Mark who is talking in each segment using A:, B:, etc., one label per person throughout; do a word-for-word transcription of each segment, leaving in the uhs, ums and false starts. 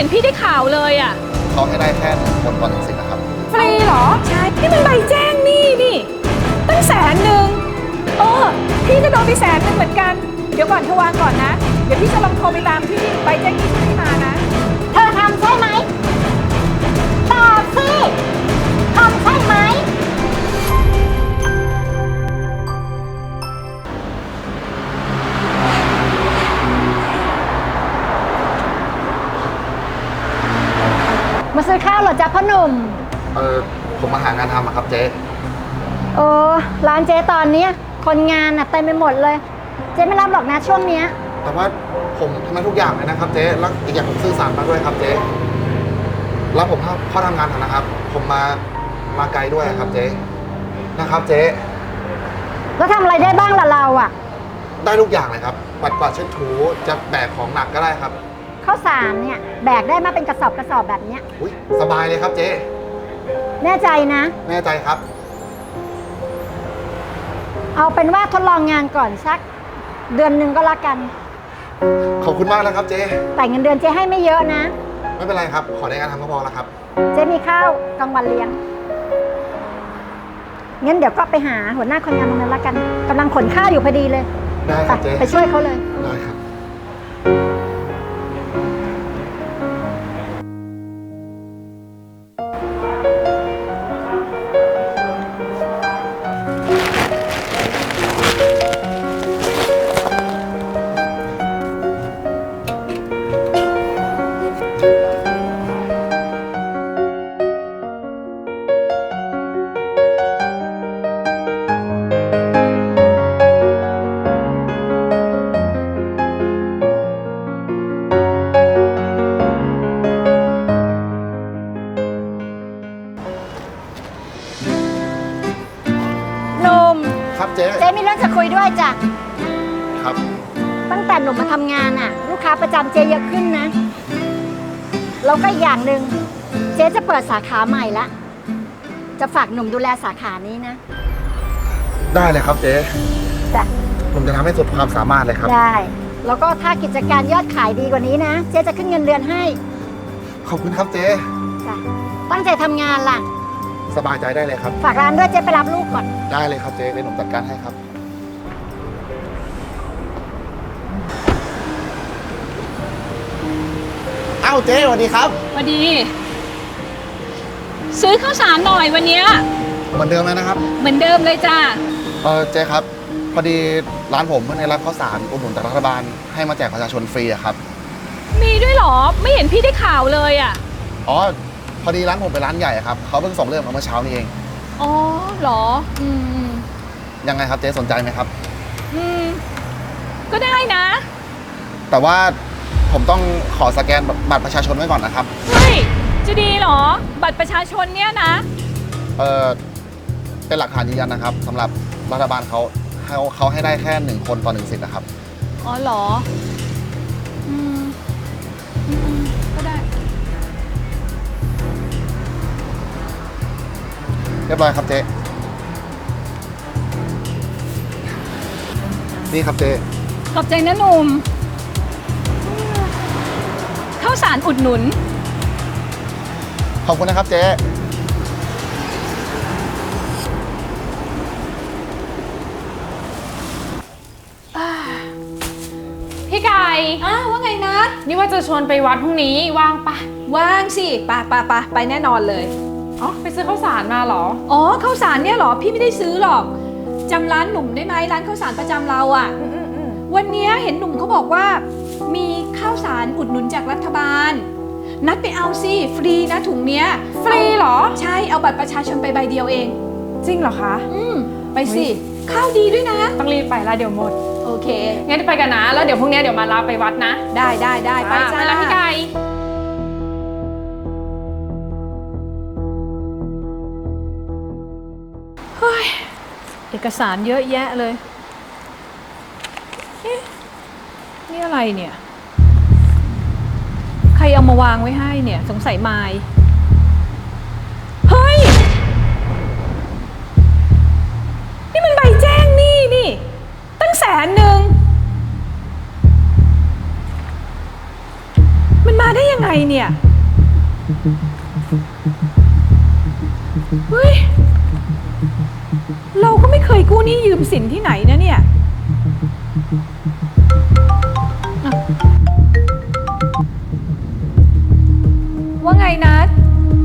A: พี่ได้ข่าวเลยอ่ะ
B: เขาให้ได้แค่หนึ่งคนต่อหนึ่งสิทธิ์นะครับ
A: ฟรีเหรอใช่นี่มันใบแจ้งหนี้นี่ตั้งแสนหนึ่งเออพี่ก็โดนไปแสนหนึ่งเหมือนกันเดี๋ยวก่อนเธอวางก่อนนะเดี๋ยวพี่จะลองโทรไปตามที่ใบแจ้งหนี้ที่มานะ
C: เธอทำใช่ไหมตอบสิทำใช่ไหมมาซื้อข้าวเหรอจ๊ะพ่อหนุ่ม
B: เออผมมาหางานทำครับเจ๊
C: โอ้ร้านเจ๊ตอนนี้คนงานน่ะเต็มไปหมดเลยเจ๊ไม่รับหรอกนะช่วงเนี้ย
B: แต่ว่าผมทำให้ทุกอย่างเลยนะครับเจ๊แล้วอีกอย่างผมซื่อสัตย์มากด้วยครับเจ๊แล้วผมเข้าทำงานนะครับผมมามาไกลด้วยครับเจ๊นะครับเจ๊
C: แล้วทำอะไรได้บ้างล่ะเราอ่ะ
B: ได้ทุกอย่างเลยครับปัดกวาดเช็ดถูจะแบกของหนักก็ได้ครับ
C: ข้าวสารเนี่ยแบกได้มาเป็นกระสอบกระสอบแบบเนี้ย
B: อุ๊ยสบายเลยครับเจ๊
C: แน่ใจนะ
B: แน่ใจครับ
C: เอาเป็นว่าทดลองงานก่อนสักเดือนหนึ่งก็แล้วกัน
B: ขอบคุณมากนะครับเจ๊
C: แต่เงินเดือนเจ๊ให้ไม่เยอะนะ
B: ไม่เป็นไรครับขอได้งานทำก็พอแล้วครับ
C: เจ๊มีข้าวกลางวันเลี้ยงงั้นเดี๋ยวก็ไปหาหัวหน้าคนงานตรงนั้นแล้วกันกำลังขนข้าวอยู่พอดีเลย
B: ได้ครับเจ๊
C: ไปช่วยเขาเลย
B: ได้ครับครับเจ๊
C: เจ๊มีเรื่องจะคุยด้วยจ้ะ
B: ครับ
C: ตั้งแต่หนุ่มมาทำงานอ่ะลูกค้าประจำเจ๊เยอะขึ้นนะแล้วก็อีกอย่างหนึ่งเจ๊จะเปิดสาขาใหม่ละจะฝากหนุ่มดูแลสาขานี้นะ
B: ได้เลยครับเจ๊
C: จ้ะ
B: ผมจะทำให้สุดความสามารถเลยครับ
C: ได้แล้วก็ถ้ากิจการยอดขายดีกว่านี้นะเจ๊จะขึ้นเงินเดือนให้
B: ขอบคุณครับเจ๊
C: จ้ะตั้งใจทำงานล่ะ
B: สบายใจได้เลยครับ
C: ฝากร้านด้วยเจ๊ไปรับลูกก่อน
B: ได้เลยครับเจ๊เดี๋ยวผมจัดการให้ครับเอ้าเจ๊สวัสดีครับ
A: สวัสดีซื้อข้าวสารหน่อยวันนี้
B: เหมือนเดิมเลยนะครับ
A: เหมือนเดิมเลยจ้า
B: เออเจ๊ครับพอดีร้านผมเพิ่งได้รับข้าวสารอุดหนุนจากรัฐบาลให้มาแจกประชาชนฟรีอะครับ
A: มีด้วยหรอไม่เห็นพี่ได้ข่าวเลยอะ
B: อ๋อพอดีร้านผมเป็นร้านใหญ่ครับเขาเพิ่งส่งเรื่องมาเมื่อเช้านี้เอง
A: อ๋อเหรออืม
B: ยังไงครับเจ๊สนใจไหมครับ
A: อืมก็ได้นะ
B: แต่ว่าผมต้องขอสแกนบัตรประชาชนไว้ก่อนนะครับ
A: เฮ้ยจะดีเหรอบัตรประชาชนเนี่ยนะ
B: เออเป็นหลักฐานยืนยันนะครับสำหรับรัฐบาลเขาเขาเขาให้ได้แค่หนึ่งคนต่อหนึ่งสิทธิ์นะครับ
A: อ๋อเหรออืมอืมก็ได้
B: เรียบร้อยครับเจ๊นี่ครับเจ๊
A: ขอบใจนะหนุ่มข้าวสารอุดหนุน
B: ขอบคุณนะครับเจ๊
D: พี่ไก่
A: อ้าวว่าไงนะ
D: นี่ว่าจะชวนไปวัดพรุ่งนี้ว่างปะ
A: ว่างสิไปไปไปไปแน่นอนเลย
D: อ๋อไปซื้อข้าวสารมาเหรอ
A: อ๋อข้าวสารเนี่ยเหรอพี่ไม่ได้ซื้อหรอกจำร้านหนุ่มได้ไหมร้านข้าวสารประจำเราอ่ะวันนี้เห็นหนุ่มเขาบอกว่ามีข้าวสารอุดหนุนจากรัฐบาลนัดไปเอาสิฟรีนะถุงเนี้ย
D: ฟรีเหรอ
A: ใช่เอาบัตรประชาชนไปใบเดียวเอง
D: จริงเหรอคะ
A: อืมไปสิข้าวดีด้วยนะ
D: ต้องรีบไปละเดี๋ยวหมด
A: โอเค
D: งั้นไปกันนะแล้วเดี๋ยวพรุ่งนี้เดี๋ยวมารับไปวัดนะ
A: ได้ได้ได้ไปจ้า
D: ไปแล้วพี่ไก่
A: เฮ้ยเอกสารเยอะแยะเลยเอ๊ะนี่อะไรเนี่ยใครเอามาวางไว้ให้เนี่ยสงสัยไมล์เฮ้ยนี่มันใบแจ้งหนี้นี่ตั้งแสนหนึ่งมันมาได้ยังไงเนี่ย เฮ้ย เราก็ไม่เคยกู้หนี้ยืมสินที่ไหนนะเนี่ยอ่ะว่าไงนัด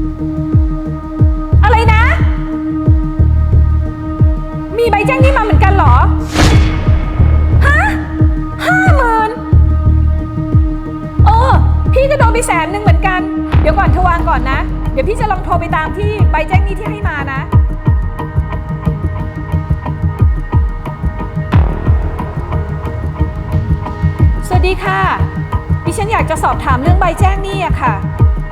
A: อะไรนะ มีใบแจ้งหนี้มาเหมือนกันเหรอ ฮะห้าหมื่นเออ พี่จะโดนไปแสนหนึ่งเหมือนกัน เดี๋ยวก่อนเธอวางก่อนนะ เดี๋ยวพี่จะลองโทรไปตามที่ใบแจ้งหนี้ที่ให้มานะ สวัสดีค่ะ ดิฉันอยากจะสอบถามเรื่องใบแจ้งหนี้อะค่ะ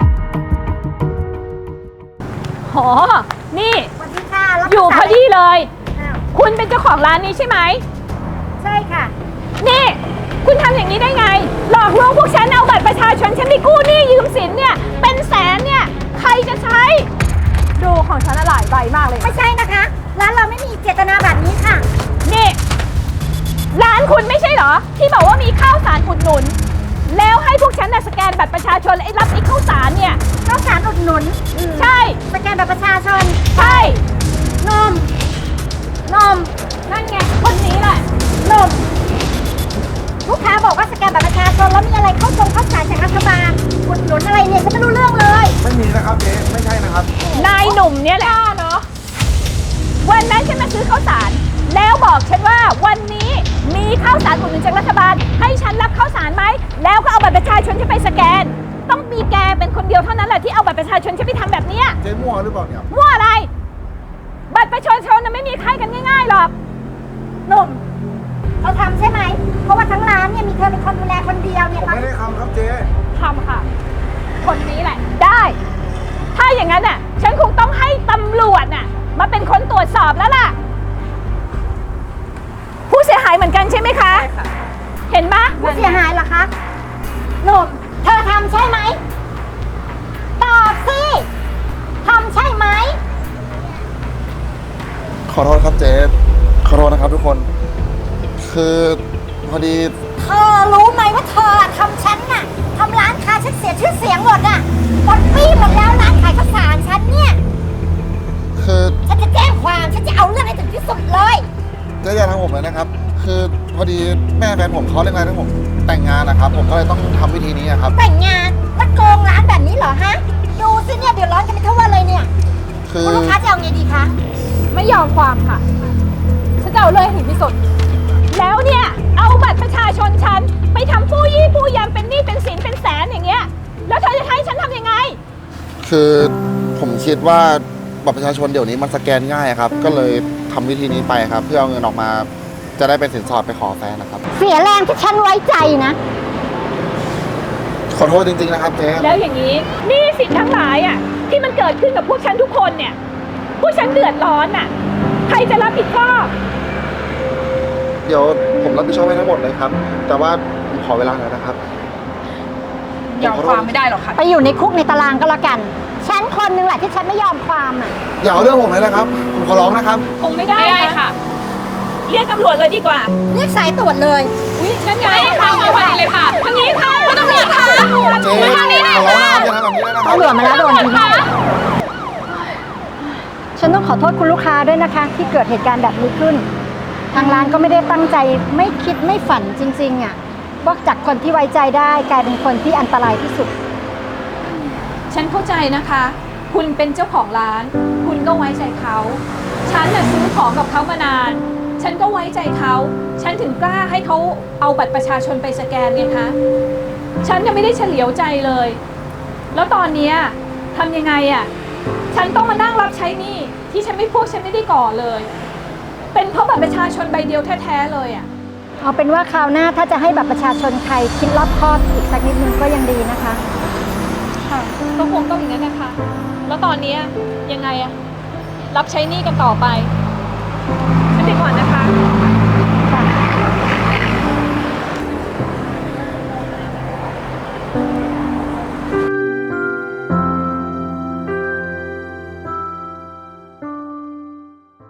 A: โหนี่
C: สวัสดีค่ะรับ
A: อยู่พอดีเลย
C: อ้าว
A: คุณเป็นเจ้าของร้านนี้ใช่ไหม
C: ใช่ค่ะ
A: นี่ คุณทำอย่างนี้ได้ไง หลอกลวงพวกฉันเอาบัตรประชาชนฉันไปกู้หนี้ยืมสินเนี่ย เป็นแสนเนี่ย ใครจะใช้ ดูของฉันหลายใบมากเลย
C: ไม่ใช่นะคะ ร้านเราไม่มีเจตนาแบบนี้ค่ะ
A: นี่ ร้านคุณไม่ใช่เหรอ ที่บอกว่ามีข้าวสารอุดหนุน แล้วให้พวกฉันน่ะสแกนบัตรประชาชนแล้วไอ้รับไอ้ข้าวสารเนี่ย
C: ข้าวสารอุดหนุนอืม
A: ใช่
C: สแกนบัตรประชาชน
A: ใช่
C: นม นม
A: นั่นไง คนนี้แหละ
C: นม ลูกค้าบอกว่าสแกนบัตรประชาชนแล้วมีอะไรเข้าตรงเข้าสารจากรัฐบาลอุดหนุนอะไรเนี่ยฉันไม่รู้เรื่องเลย
B: ไม่มีนะครับเจ๊ไม่ใช่นะครับ
A: นายหนุ่มเนี่ยแหละเนาะวันนั้นฉันมาซื้อข้าวสาร แล้วบอกฉันว่าวันนี้มีข้าวสารอุดหนุนจากรัฐบาล ให้ฉันรับข้าวสารไหม แล้วก็เอาบัตรประชาชนฉันไปสแกน ต้องมีแกเป็นคนเดียวเท่านั้นแหละที่เอาบัตรประชาชนฉันไปทำแบบเนี้ย
B: เจ๊มั่วหรือเปล่าเนี่ย
A: มั่วอะไร บัตรประชาชนน่ะไม่มีใครกันง่ายๆหรอก
C: หนุ่มเธอทำใช่ไหม เพราะว่าทั้งร้านเนี่ยมีเธอเป็นคนดูแลคนเดียวเนี่ย
B: ผมไม่ได้ทำครับเจ๊
A: ทำค่ะ คนนี้แหละ ได้ ถ้าอย่างนั้นน่ะ ฉันคงต้องให้ตำรวจน่ะ มาเป็นคนตรวจสอบแล้วล่ะ ผู้เสียหายเหมือนกันใช่ไหมคะ
D: ใช่ค่ะ
A: เห็นปะ
C: ผู้เสียหายเหรอคะหนุ่มเธอทำใช่ไหม ตอบสิทำใช่ไหม
B: ขอโทษครับเจ๊ขอโทษนะครับทุกคน คือพอดี
C: เธอรู้ไหมว่าเธอทำฉันน่ะทำร้านค้าฉันเสียชื่อเสียงหมดอ่ะหมดปี้หมดแล้วร้านขายข้าวสารฉันเนี่ย
B: คือ
C: ฉันจะแจ้งความฉันจะเอาเรื่องให้ถึงที่สุดเลย
B: เจ๊อย่าทำผมเลยนะครับ คือพอดีแม่แฟนผมเขาเร่งรัดให้ผมแต่งงานนะครับ ผมก็เลยต้องทำวิธีนี้อะครับ
C: แต่งงานแล้วโกงร้านแบบนี้เหรอฮะ ดูสิเนี่ยเดือดร้อนกันเป็นทั่วเลยเนี่ย
B: คือ
C: คุณลูกค้าจะเอาไงดีคะ
A: ไม่ยอมความค่ะ ฉันจะเอาเลยให้ถึงที่สุด แล้วเนี่ย เอาบัตรประชาชนฉัน ไปทำผู้ยี่ผู้ยำเป็นหนี้เป็นสินเป็นแสนอย่างเงี้ย แล้วเธอจะให้ฉันทำยังไง
B: คือผมคิดว่าบัตรประชาชนเดี๋ยวนี้มันสแกนง่ายครับ ก็เลยทำวิธีนี้ไปครับ เพื่อเอาเงินออกมา จะได้เป็นสินสอดไปขอแฟนนะครับ
C: เสียแรงที่ฉันไว้ใจนะ
B: ขอโทษจริงๆนะครับเจ๊
A: แล้วอย่างนี้หนี้สินทั้งหลายอ่ะที่มันเกิดขึ้นกับพวกฉันทุกคนเนี่ย พวกฉันเดือดร้อนอ่ะ ใครจะรับผิดชอบ
B: เดี๋ยวผมรับผิดชอบให้ทั้งหมดเลยครับ แต่ว่าผมขอเวลาหน่อยนะครับ
D: ยอมความไม่ได้หรอกค่ะ
C: ไปอยู่ในคุกในตารางก็แล้วกัน ฉันคนหนึงแหละที่ฉันไม่ยอมความอ่ะ
B: อย่าเอาเรื่องผมเลยนะครับ ผมขอร้องนะครับ
A: คงไม่ได้
D: ไม่ได้ค่ะ
A: เรียกตำรวจเลยดีกว่า
C: เรียกสายตรวจเลย
A: อุ้ยนั่นไง
D: ไม่ค่ะไม่ไหวเลยค่ะ
A: ทางนี้ค่ะคุณตำรวจค่ะ
B: เจ๊ขอร้องนะครับอย่าทำแบบนี้เลยนะครับ
C: ตำรวจมาแล้วโดนทีฉันต้องขอโทษคุณลูกค้าด้วยนะคะ ที่เกิดเหตุการณ์แบบนี้ขึ้น ทางร้านก็ไม่ได้ตั้งใจไม่คิดไม่ฝันจริงๆอ่ะว่าจากคนที่ไว้ใจได้กลายเป็นคนที่อันตรายที่สุด
A: ฉันเข้าใจนะคะ คุณเป็นเจ้าของร้าน คุณก็ไว้ใจเขา ฉันน่ะซื้อของกับเขามานาน ฉันก็ไว้ใจเขา ฉันถึงกล้าให้เขาเอาบัตรประชาชนไปสแกนไงคะ ฉันยังไม่ได้เฉลียวใจเลย แล้วตอนเนี้ยทำยังไงอะฉันต้องมานั่งรับใช้หนี้ที่ฉันไม่พวกฉันไม่ได้ก่อเลย เป็นเพราะบัตรประชาชนใบเดียวแท้ๆเลยอะ
C: เอาเป็นว่าคราวหน้าถ้าจะให้บัตรประชาชนใครคิดรอบคอบอีกสักนิดนึงก็ยังดีนะคะ
A: ค่ะก็คงต้องอย่างนั้นนะคะ แล้วตอนเนี้ยยังไงอะรับใช้หนี้กันต่อไป